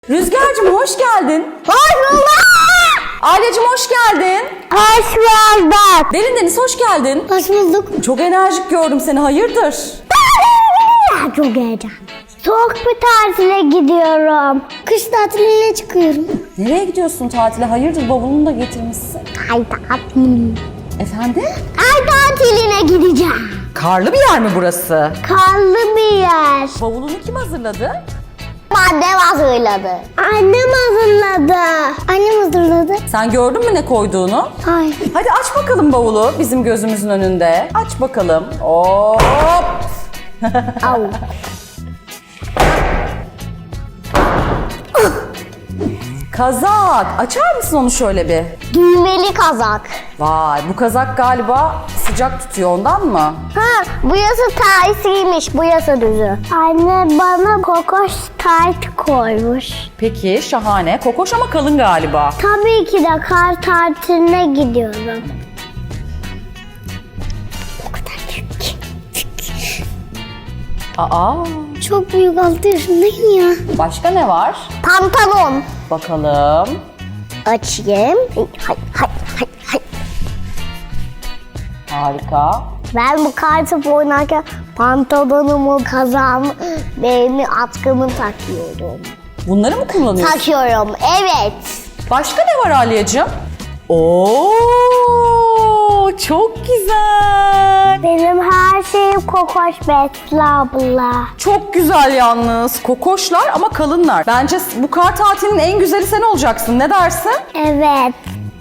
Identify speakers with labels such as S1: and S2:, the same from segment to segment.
S1: Rüzgar'cığım hoş geldin.
S2: Hoş bulduk.
S1: Aileciğim hoş geldin.
S2: Hoş bulduk.
S1: Derin Deniz hoş geldin.
S2: Hoş bulduk.
S1: Çok enerjik gördüm seni, hayırdır?
S2: Çok heyecanlı. Soğuk bir tatile gidiyorum. Kış tatiline çıkıyorum.
S1: Nereye gidiyorsun tatile? Hayırdır, bavulunu da getirmişsin.
S2: Ay tatil.
S1: Efendim?
S2: Ay tatiline gideceğim.
S1: Karlı bir yer mi burası?
S2: Karlı bir yer.
S1: Bavulunu kim hazırladı?
S2: Annem hazırladı. Annem hazırladı. Annem hazırladı.
S1: Sen gördün mü ne koyduğunu?
S2: Hayır.
S1: Hadi aç bakalım bavulu bizim gözümüzün önünde. Aç bakalım. Hop!
S2: Au.
S1: Kazak. Açar mısın onu şöyle bir?
S2: Düğmeli kazak.
S1: Vay, bu kazak galiba sıcak tutuyor, ondan mı?
S2: Ha, bu yasa tersiymiş, bu yasa düzü. Anne bana kokoş tayt koymuş.
S1: Peki, şahane. Kokoş ama kalın galiba.
S2: Tabii ki de kar tatiline gidiyorum. O kadar büyük ki.
S1: Aa,
S2: Çok büyük, 6 yaşındayım ya.
S1: başka ne var?
S2: Pantolon.
S1: Bakalım.
S2: Açayım. Hay hay hay hay.
S1: Harika.
S2: Ben bu kar topu oynarken pantolonumu, kazağımı, benim atkımı takıyorum.
S1: Bunları mı kullanıyorsun?
S2: Takıyorum, evet.
S1: Başka ne var Aliyacığım? Oo, çok güzel.
S2: Benim her şeyim kokoş Betli abla.
S1: Çok güzel yalnız. Kokoşlar ama kalınlar. Bence bu kar tatilinin en güzeli sen olacaksın. Ne dersin?
S2: Evet.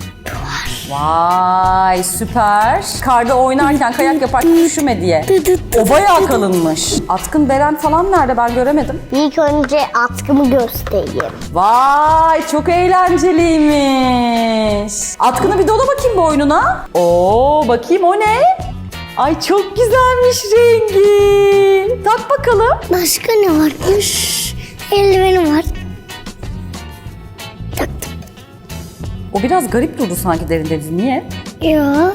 S1: Vay, süper. Karda oynarken, kayak yaparken üşüme diye. O bayağı kalınmış. Atkın Beren falan nerede, ben göremedim.
S2: İlk önce atkımı göstereyim.
S1: Vay, çok eğlenceliymiş. Atkını bir dola bakayım boynuna. Oo, bakayım o ne? Ay çok güzelmiş rengi. Tak bakalım.
S2: Başka ne varmış? Eldivenim var. Taktım.
S1: O biraz garip durdu sanki Derin Deniz. Niye?
S2: Ya.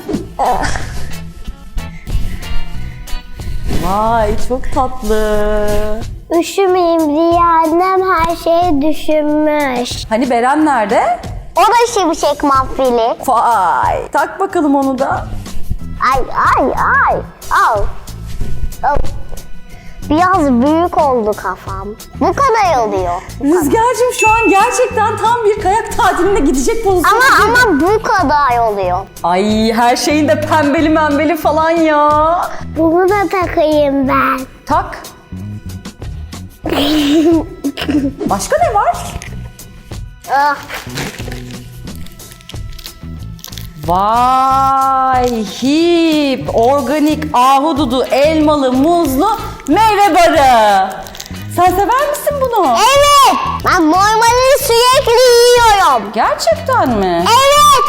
S1: Vay, çok tatlı.
S2: Üşümeyeyim diye annem her şeyi düşünmüş.
S1: Hani Beren nerede?
S2: O da şimşek mahfili.
S1: Vay. Tak bakalım onu da.
S2: Ay ay ay. Al. Al. Biraz büyük oldu kafam. Bu kadar oluyor.
S1: Rüzgar'cığım şu an gerçekten tam bir kayak tatiline gidecek pozisyonda.
S2: Ama bu kadar oluyor.
S1: Ay, her şeyin de pembeli membeli falan ya.
S2: Bunu da takayım ben.
S1: Tak. Başka ne var?
S2: Ah.
S1: Vay, hip, organik, ahududu, elmalı, muzlu meyve barı. Sen sever misin bunu?
S2: Evet. Ben normalde sürekli yiyorum.
S1: Gerçekten mi?
S2: Evet.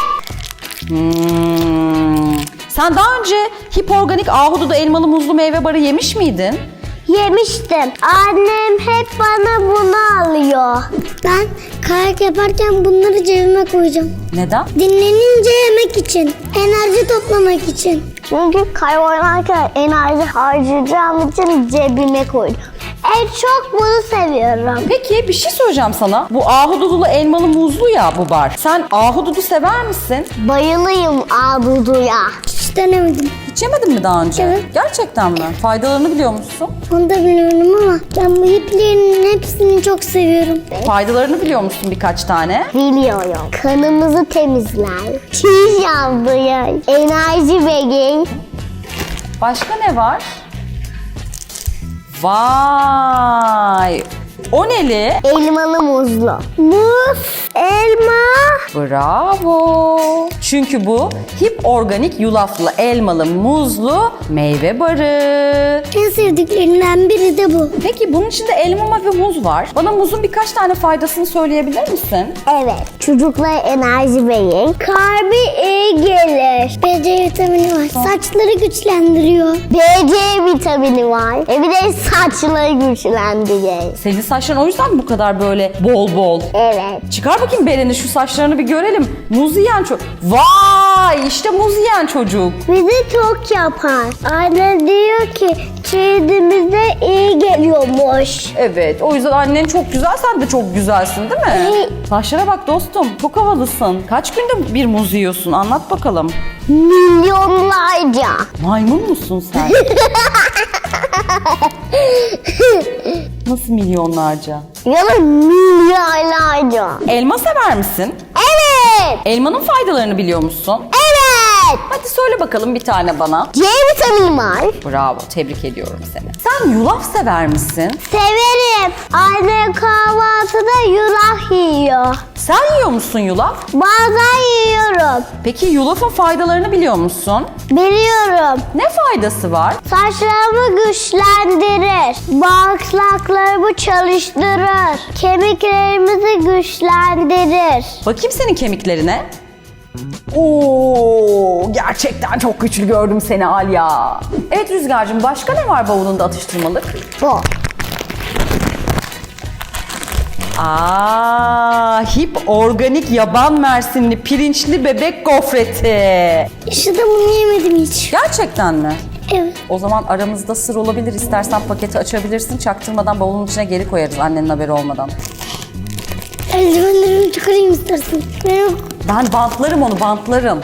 S1: Sen daha önce hip, organik, ahududu, elmalı, muzlu meyve barı yemiş miydin?
S2: Yemiştim. Annem hep bana bunu alıyor. Ben kayak yaparken bunları cebime koyacağım.
S1: Neden?
S2: Dinlenince yemek için, enerji toplamak için. Çünkü kayak oynarken enerji harcayacağım için cebime koydum. Çok bunu seviyorum.
S1: Peki bir şey söyleyeceğim sana. Bu ahududulu, elmalı, muzlu ya bu bar. Sen ahududu sever misin?
S2: Bayılıyım abuduya. Hiç denemedim.
S1: Hiç yemedin mi daha önce?
S2: Evet.
S1: Gerçekten mi? Faydalarını biliyor musun?
S2: Onu da biliyorum ama ben bu iplerin hepsini çok seviyorum.
S1: Faydalarını biliyor musun birkaç tane?
S2: Biliyorum. Kanımızı temizler. Çiğ yapıyor. Enerji verir.
S1: Başka ne var? Vay! O neli?
S2: Elmalı muzlu. Muz, elma.
S1: Bravo! Çünkü bu hip organik yulaflı, elmalı, muzlu meyve barı.
S2: En sevdiklerinden biri de bu.
S1: Peki bunun içinde elma ve muz var. Bana muzun birkaç tane faydasını söyleyebilir misin?
S2: Evet. Çocuklara enerji verir. Kalbi iyi gelir. BC vitamini var. Saçları güçlendiriyor. BC vitamini var. Bir de saçları güçlendiriyor.
S1: Senin saçların o yüzden mi bu kadar böyle bol bol?
S2: Evet.
S1: Çıkar bakayım Beren'i, şu saçlarını bir görelim. Muz yiyen çocuk. Vay, işte muz yiyen çocuk.
S2: Bizi çok yapar. Anne diyor ki cildimize iyi geliyormuş.
S1: Evet, o yüzden annen çok güzel, sen de çok güzelsin değil mi?
S2: Evet.
S1: Saçlara bak dostum, çok havalısın. Kaç günde bir muz yiyorsun? Anlat bakalım.
S2: Milyonlarca.
S1: Maymun musun sen? Nasıl milyonlarca?
S2: Ya da milyarlarca.
S1: Elma sever misin?
S2: Evet.
S1: Elmanın faydalarını biliyor musun?
S2: Evet.
S1: Hadi söyle bakalım bir tane bana.
S2: C vitamini var.
S1: Bravo, tebrik ediyorum seni. Sen yulaf sever misin?
S2: Severim. Anne kahvaltıda yulaf yiyor.
S1: Sen yiyor musun yulaf?
S2: Bazen yiyorum.
S1: Peki yulafın faydalarını biliyor musun?
S2: Biliyorum.
S1: Ne faydası var?
S2: Saçlarımı güçlendirir. Bağırsaklarımı çalıştırır. Kemiklerimizi güçlendirir.
S1: Bakayım senin kemiklerine. Oo, gerçekten çok güçlü gördüm seni Alya. Evet Rüzgar'cığım, başka ne var bavulunda atıştırmalık?
S2: Bu.
S1: Hip organik yaban mersinli pirinçli bebek gofreti.
S2: İşte bunu yemedim hiç.
S1: Gerçekten mi?
S2: Evet.
S1: O zaman aramızda sır olabilir. İstersen paketi açabilirsin. Çaktırmadan bavulun içine geri koyarız annenin haberi olmadan.
S2: Eldivenlerimi çıkarayım istersen.
S1: Ben bantlarım onu, bantlarım.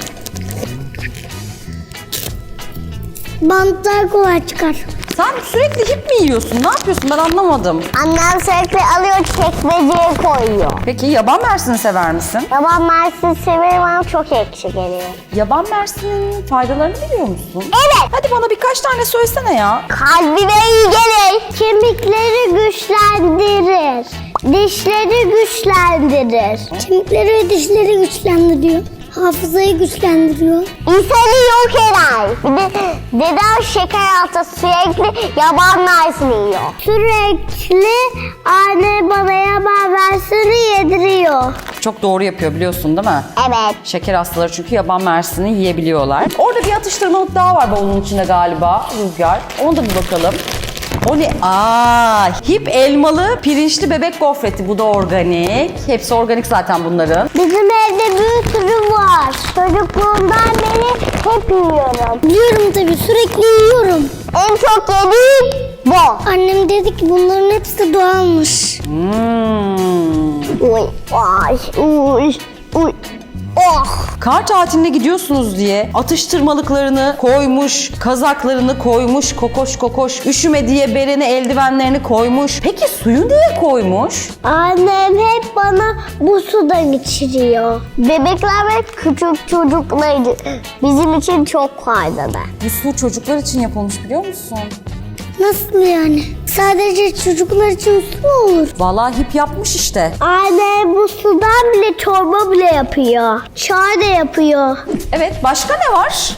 S2: Bantlar kolay çıkar.
S1: Sen sürekli hip mi yiyorsun? Ne yapıyorsun? Ben anlamadım.
S2: Annem sürekli alıyor çekmeceye koyuyor.
S1: Peki yaban mersini sever misin?
S2: Yaban mersin severim ama çok ekşi geliyor.
S1: Yaban mersinin faydalarını biliyor musun?
S2: Evet.
S1: Hadi bana birkaç tane söylesene ya.
S2: Kalbine iyi gelir. Kemikleri güçlendirir. Dişleri güçlendirir. Kemikleri ve dişleri güçlendiriyor. Hafızayı güçlendiriyor. İnsanı yok eder. Bir de dedem şeker hastası sürekli yaban mersini yiyor. Sürekli anne bana yaban mersini yediriyor.
S1: Çok doğru yapıyor biliyorsun değil mi?
S2: Evet.
S1: Şeker hastaları çünkü yaban mersini yiyebiliyorlar. Orada bir atıştırmalık daha var bavulun içinde galiba Rüzgar. Onu da bir bakalım. O ne? Hip elmalı pirinçli bebek gofreti. Bu da organik. Hepsi organik zaten bunların.
S2: Bizim evde bir sürü var. Çocukluğumdan beri hep yiyorum. Yiyorum tabii, sürekli yiyorum. En çok yediğim bu. Annem dedi ki bunların hepsi doğalmış. Uy, ay, uy, uy. Oh.
S1: Kar tatiline gidiyorsunuz diye atıştırmalıklarını koymuş, kazaklarını koymuş, kokoş kokoş, üşüme diye bereni eldivenlerini koymuş. Peki suyu niye koymuş?
S2: Annem hep bana bu sudan içiriyor. Bebekler ve küçük çocuklar bizim için çok faydalı.
S1: Bu su çocuklar için yapılmış biliyor musun?
S2: Nasıl yani? Sadece çocuklar için su mu olur?
S1: Vallahi hip yapmış işte.
S2: Anne bu sudan bile çorba bile yapıyor. Çay da yapıyor.
S1: Evet, başka ne var?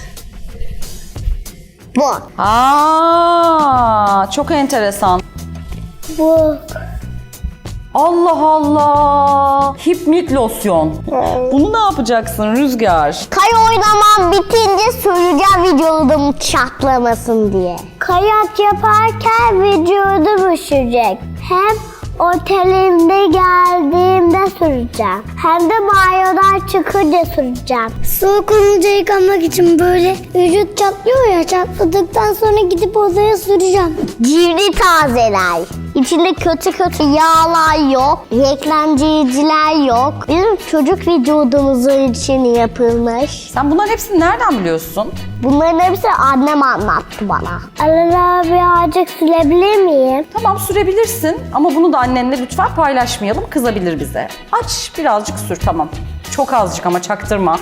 S2: Bu.
S1: Çok enteresan.
S2: Bu.
S1: Allah Allah. Hipmik losyon. Bunu ne yapacaksın Rüzgar?
S2: Kay oynamam bitince söyleyeceğim vücudum çatlamasın diye. Kayak yaparken vücudum üşüyecek. Hem otelimde geldiğimde süreceğim. Hem de banyodan çıkınca süreceğim. Soğuk olunca yıkanmak için böyle vücut çatlıyor ya, çatladıktan sonra gidip odaya süreceğim. Cildi tazeler. İçinde kötü yağlar yok, reklamcılar yok. Bizim çocuk vücudumuzun için yapılmış.
S1: Sen bunların hepsini nereden biliyorsun?
S2: Bunların hepsini annem anlattı bana. Alala birazcık sürebilir miyim?
S1: Tamam, sürebilirsin ama bunu da annenle lütfen paylaşmayalım. Kızabilir bize. Aç birazcık sür, tamam. Çok azıcık ama çaktırma.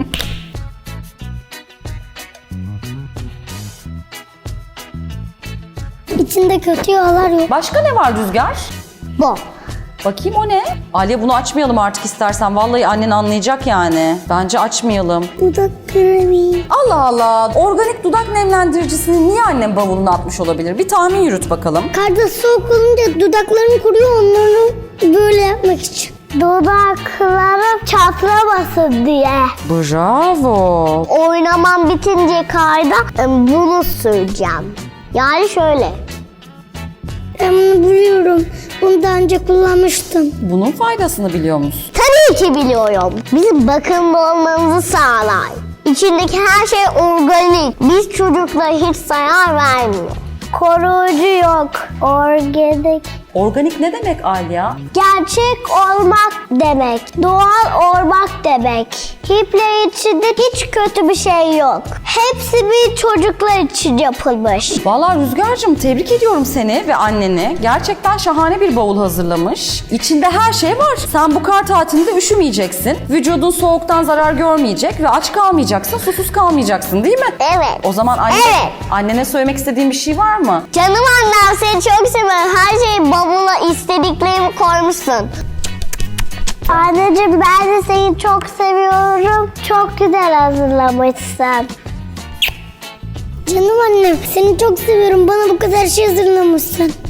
S2: İçinde kötü yağlar yok.
S1: Başka ne var Rüzgar?
S2: Bu.
S1: Bakayım o ne? Aliye, bunu açmayalım artık istersen. Vallahi annen anlayacak yani. Bence açmayalım.
S2: Dudak kremi.
S1: Allah Allah. Organik dudak nemlendiricisini niye annem bavuluna atmış olabilir? Bir tahmin yürüt bakalım.
S2: Karda soğuk olunca dudaklarım kuruyor, onları böyle yapmak için. Dudaklarım çatlamasın diye.
S1: Bravo.
S2: Oynamam bitince karda bunu süreceğim. Yani şöyle. Ben bunu biliyorum. Bunu daha önce kullanmıştım.
S1: Bunun faydasını biliyor musun?
S2: Tabii ki biliyorum. Bizim bakımlı olmamızı sağlar. İçindeki her şey organik. Biz çocuklara hiç zarar vermiyor. Koruyucu yok. Organik.
S1: Organik ne demek Alya?
S2: Gerçek olmak demek. Doğal olmak demek. Hipler içinde hiç kötü bir şey yok. Hepsi bir çocuklar için yapılmış.
S1: Vallahi Rüzgar'cığım tebrik ediyorum seni ve anneni. Gerçekten şahane bir bavul hazırlamış. İçinde her şey var. Sen bu kar tatilinde üşümeyeceksin. Vücudun soğuktan zarar görmeyecek ve aç kalmayacaksın, susuz kalmayacaksın değil mi?
S2: Evet.
S1: O zaman
S2: Evet.
S1: annene söylemek istediğin bir şey var mı?
S2: Canım annem, seni çok seviyorum. Her şeyi bavula istediklerimi koymuşsun. Anneciğim, ben de seni çok seviyorum. Çok güzel hazırlamışsın. Canım annem, seni çok seviyorum. Bana bu kadar şey hazırlamışsın.